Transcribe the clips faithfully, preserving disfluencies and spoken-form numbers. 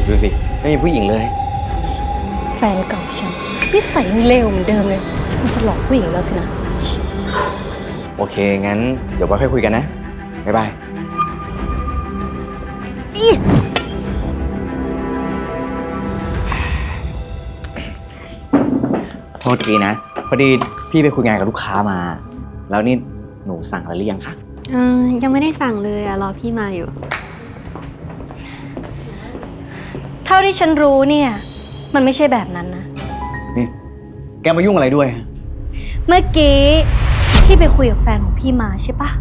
ดูสิไม่มีผู้หญิงเลยแฟนเก่าฉันนิสัยเลวเหมือนเดิมเลยมันจะหลอกผู้หญิงแล้วสินะโอเคงั้นเดี๋ยวไว้ค่อยคุยกันนะบ๊ายบายโทษทีนะพอดีพี่ไปคุยงานกับลูกค้ามาแล้วนี่หนูสั่งอะไรหรือยังคะเออยังไม่ได้สั่งเลยอะรอพี่มาอยู่เท่าที่ฉันรู้เนี่ยมันไม่ใช่แบบนั้นนะนี่แกมายุ่งอะไรด้วยเมื่อกี้พี่ไปคุยกับแฟนของพี่มาใช่ปะ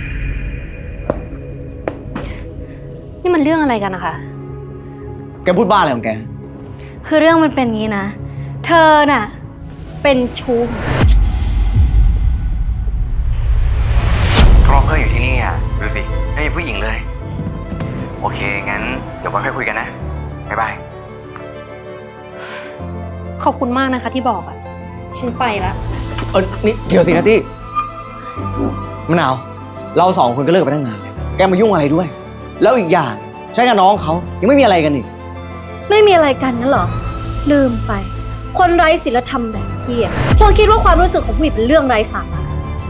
นี่มันเรื่องอะไรกันนะคะแกพูดบ้าอะไรของแกคือเรื่องมันเป็นงี้นะ เธอน่ะเป็นชู้ครอบเพื่อนอยู่ที่นี่อ่ะดูสิไม่มีผู้หญิงเลยโอเคงั้นเดี๋ยวไว้ค่อยคุยกันนะบ๊ายบายขอบคุณมากนะคะที่บอกอะฉันไปแล้วเออนี่เดี๋ยวสินะตี้มะนาวเราสองคนก็เลิกกันไปตั้งนานแล้วแกมายุ่งอะไรด้วย แล้วอีกอย่างใช้กับน้องเขายังไม่มีอะไรกันอีกไม่มีอะไรกันนั่นหรอลืมไป คนไร้ศีลธรรมแบบพี่อะคงคิดว่าความรู้สึกของผู้หญิงเป็นเรื่องไร้สาระ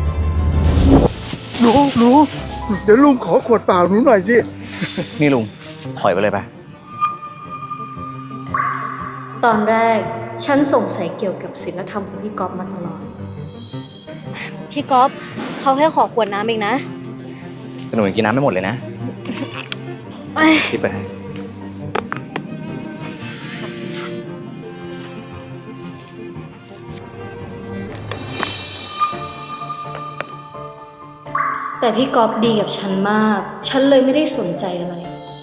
หนูหนูเดี๋ยวลุงขอขวดเปล่าหนูหน่อยสินี่ลุงถอยไปเลยไปตอนแรกฉันสงสัยเกี่ยวกับศีลธรรมของพี่ก๊อฟมาตลอดพี่ก๊อฟเขาให้ขอขวดน้ำเองนะแต่หนูยังกินน้ำไม่หมดเลยนะพี่ไปแต่พี่ก๊อฟดีกับฉันมาก ฉันเลยไม่ได้สนใจอะไร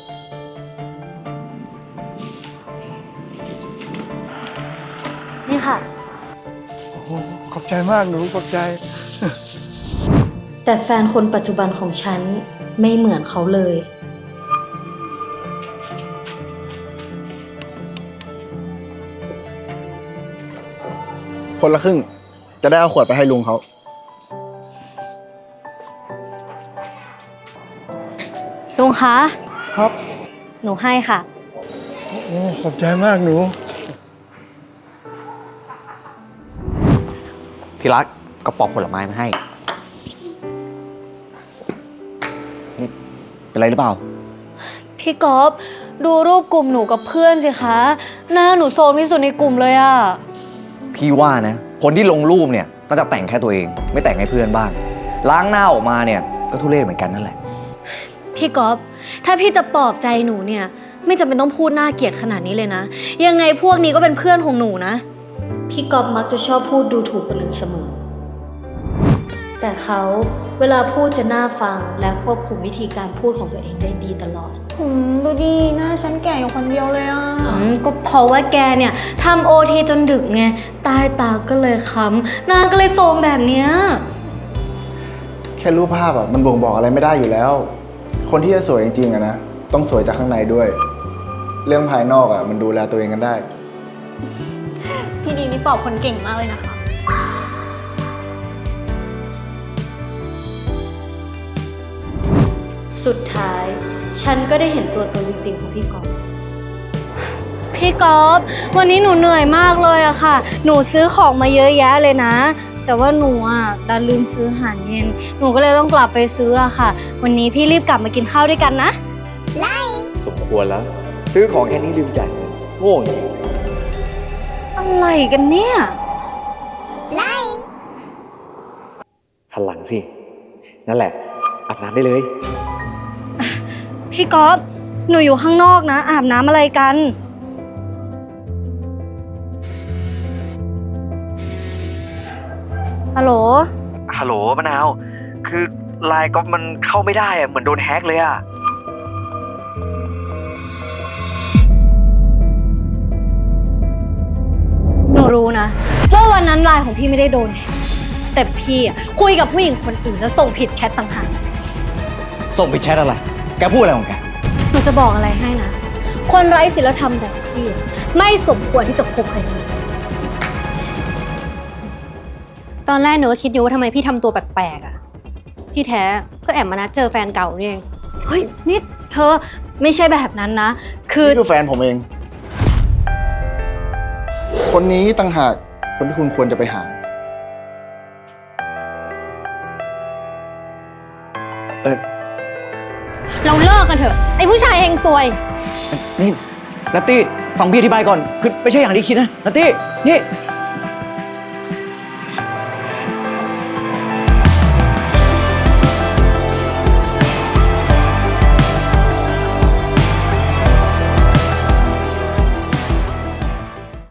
นี่ค่ะโอ้โหขอบใจมากหนูขอบใจแต่แฟนคนปัจจุบันของฉันไม่เหมือนเขาเลยคนละครึ่ง จะได้เอาขวดไปให้ลุงเขาลุงคะครับหนูให้ค่ะโอ้ขอบใจมากหนูที่รักก็ปอกผลไม้มาให้นี่เป็นไรหรือเปล่าพี่ก๊อฟดูรูปกลุ่มหนูกับเพื่อนสิคะ หน้าหนูโซมที่สุดในกลุ่มเลยอะพี่ว่านะคนที่ลงรูปเนี่ยน่าจะแต่งแค่ตัวเองไม่แต่งให้เพื่อนบ้างล้างหน้าออกมาเนี่ยก็ทุเรศเหมือนกันนั่นแหละพี่ก๊อฟถ้าพี่จะปลอบใจหนูเนี่ย ไม่จำเป็นต้องพูดน่าเกลียดขนาดนี้เลยนะ ยังไงพวกนี้ก็เป็นเพื่อนของหนูนะ พี่ก๊อฟมักจะชอบพูดดูถูกคนอื่นเสมอ แต่เขาเวลาพูดจะน่าฟังและควบคุมวิธีการพูดของตัวเองได้ดีตลอดอืมดูดิหน้าฉันแก่อยู่คนเดียวเลยอะอืมก็เพราะว่าแกเนี่ยทำโอทีจนดึกไงใต้ตาก็เลยค้ำหน้าก็เลยโทรมแบบเนี้ยแค่รูปภาพอ่ะมันบ่งบอกอะไรไม่ได้อยู่แล้ว คนที่จะสวยจริงๆอะนะต้องสวยจากข้างในด้วย เรื่องภายนอกอ่ะมันดูแลตัวเองกันได้พี่ดีนี่ปอบคนเก่งมากเลยนะคะสุดท้ายฉันก็ได้เห็นตัวตนจริงๆของพี่ก๊อฟพี่ก๊อฟวันนี้หนูเหนื่อยมากเลยอะค่ะ หนูซื้อของมาเยอะแยะเลยนะ แต่ว่าหนูอะดันลืมซื้ออาหารเย็น หนูก็เลยต้องกลับไปซื้ออะค่ะ วันนี้พี่รีบกลับมากินข้าวด้วยกันนะสมควรแล้ว ซื้อของแค่นี้ลืมจ่ายเงินโง่จริงอะไรกันเนี่ยหันหลังสิ นั่นแหละอาบน้ำได้เลยพี่ก๊อฟหนูอยู่ข้างนอกนะ อาบน้ำอะไรกัน ฮัลโหลฮัลโหลมะนาว คือไลน์ก็มันเข้าไม่ได้อะเหมือนโดนแฮ็กเลยอะหนูรู้นะว่าวันนั้นไลน์ของพี่ไม่ได้โดนแฮ็กแต่พี่อะคุยกับผู้หญิงคนอื่นแล้วส่งผิดแชทต่างหากส่งไปแชทอะไร แกพูดอะไรของแกหนูจะบอกอะไรให้นะ คนไร้ศีลธรรมแบบพี่อะไม่สมควรที่จะคบใครเลยตอนแรกหนูก็คิดอยู่ว่าทำไมพี่ทำตัวแปลกๆอะที่แท้ก็แอบมานัดเจอแฟนเก่านี่เองเฮ้ยนี่เธอไม่ใช่แบบนั้นนะ คือนี่คือแฟนผมเอง คนนี้ต่างหากคนที่คุณควรจะไปหาเออเราเลิกกันเถอะ ไอ้ผู้ชายเฮงซวยนี่นัตตี้ฟังพี่อธิบายก่อน คือไม่ใช่อย่างที่คิดนะนัตตี้นี่